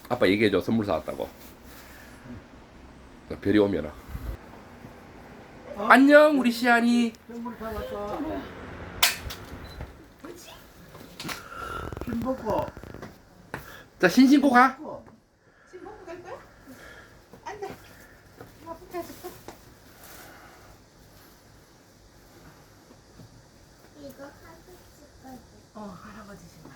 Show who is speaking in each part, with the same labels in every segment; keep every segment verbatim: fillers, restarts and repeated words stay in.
Speaker 1: 아빠 얘기해줘. 선물 사왔다고. 별이 오면은.
Speaker 2: 어?
Speaker 1: 안녕 우리 시안이.
Speaker 2: 선물 사왔어. 김 먹고.
Speaker 1: 자 신신고 가.
Speaker 3: 지금 먹고 갈 거야? 안 돼. 엄마 붙여줄까?
Speaker 4: 이거 하고 싶거든.
Speaker 3: 어, 할아버지 좀.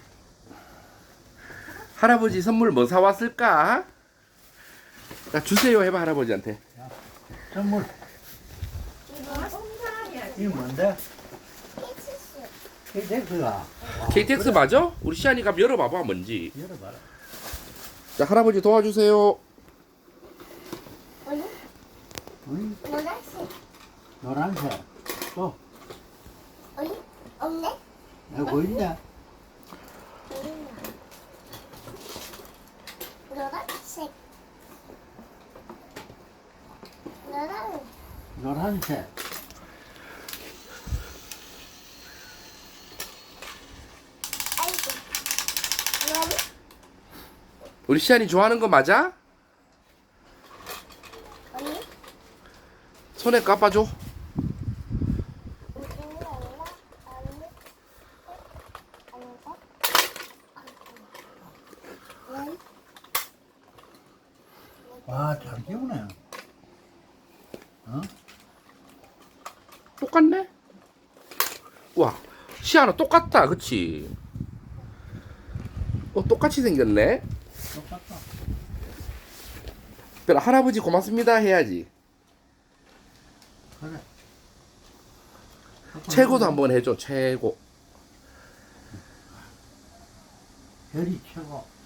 Speaker 1: 할아버지 선물 뭐 사왔을까? 자 주세요 해봐 할아버지한테.
Speaker 2: 선물.
Speaker 4: 이거
Speaker 3: 뽕사야지.
Speaker 2: 이거 뭔데?
Speaker 4: 피치스.
Speaker 2: 케이텍스가.
Speaker 1: 케이티엑스 맞아? 우리 시안이가 열어봐봐 뭔지.
Speaker 2: 열어봐라.
Speaker 1: 자 할아버지 도와주세요.
Speaker 4: 오늘
Speaker 2: 응?
Speaker 4: 노란색.
Speaker 2: 노란색. 또
Speaker 4: 오늘 없네.
Speaker 2: 여기 있네.
Speaker 4: 보이나. 노란색. 노란.
Speaker 2: 노란색.
Speaker 4: 아이고. 노란.
Speaker 1: 우리 시안이 좋아하는 거 맞아?
Speaker 4: 오늘
Speaker 1: 손에 까봐줘.
Speaker 2: 와, 잘 키우네. 어?
Speaker 1: 똑같네? 와 시안아 똑같다 그치? 어 똑같이 생겼네?
Speaker 2: 똑같다.
Speaker 1: 그럼 할아버지 고맙습니다 해야지.
Speaker 2: 그래.
Speaker 1: 최고도 한번 해줘 최고.
Speaker 2: 별이 최고.